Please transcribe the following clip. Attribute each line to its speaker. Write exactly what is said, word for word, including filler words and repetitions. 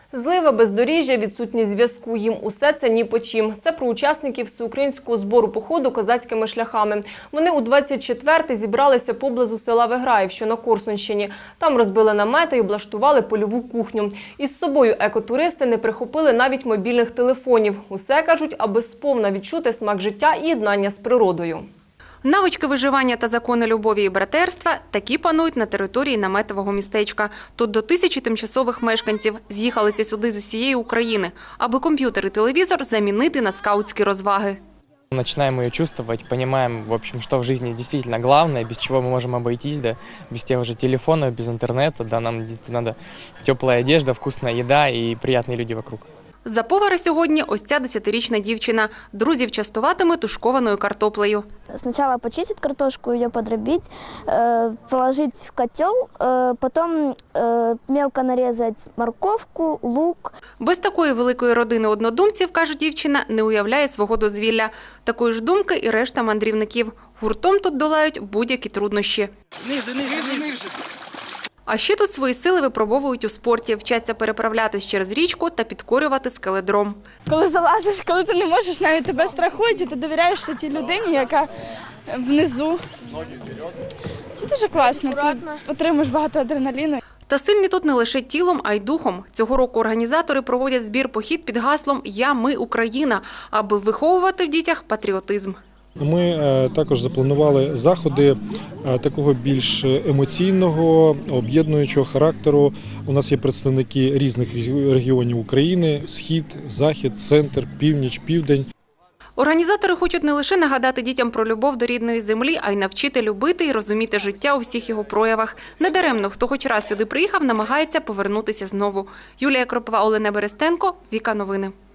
Speaker 1: Злива, бездоріжжя, відсутність зв'язку – їм усе це ні по чим. Це про учасників всеукраїнського збору походу козацькими шляхами. Вони у двадцять четвертий зібралися поблизу села Виграїв, що на Корсунщині. Там розбили намети і облаштували польову кухню. Із собою екотуристи не прихопили навіть мобільних телефонів. Усе, кажуть, аби сповна відчути смак життя і єднання з природою.
Speaker 2: Навички виживання та закони любові і братерства – такі панують на території наметового містечка. Тут до тисячі тимчасових мешканців з'їхалися сюди з усієї України, аби комп'ютер і телевізор замінити на скаутські розваги.
Speaker 3: Начинаем ее чувствовать, понимаем, в общем, что в жизни действительно главное, без чего мы можем обойтись, да, без тех же телефонов, без интернета, да, нам надо теплая одежда, вкусная еда и приятные люди вокруг.
Speaker 2: За повара сьогодні ось ця десятирічна дівчина. Друзів частуватиме тушкованою картоплею.
Speaker 4: Сначала почистить картошку, ее подробить, положить в котел, потом мелко нарезать морковку, лук.
Speaker 2: Без такої великої родини однодумців, каже дівчина, не уявляє свого дозвілля. Такої ж думки і решта мандрівників. Гуртом тут долають будь-які труднощі.
Speaker 5: Ниже, ниже, ниже.
Speaker 2: А ще тут свої сили випробовують у спорті, вчаться переправлятись через річку та підкорювати скеледром.
Speaker 6: Коли залазиш, коли ти не можеш, навіть тебе страхують, і ти довіряєшся тій людині, яка внизу. Це дуже класно, ти отримуєш багато адреналіну.
Speaker 2: Та сильні тут не лише тілом, а й духом. Цього року організатори проводять збір-похід під гаслом «Я, ми, Україна», аби виховувати в дітях патріотизм.
Speaker 7: Ми також запланували заходи такого більш емоційного, об'єднуючого характеру. У нас є представники різних регіонів України – Схід, Захід, Центр, Північ, Південь.
Speaker 2: Організатори хочуть не лише нагадати дітям про любов до рідної землі, а й навчити любити і розуміти життя у всіх його проявах. Недаремно, хто хоч раз сюди приїхав, намагається повернутися знову. Юлія Кропова, Олена Берестенко, Віка Новини.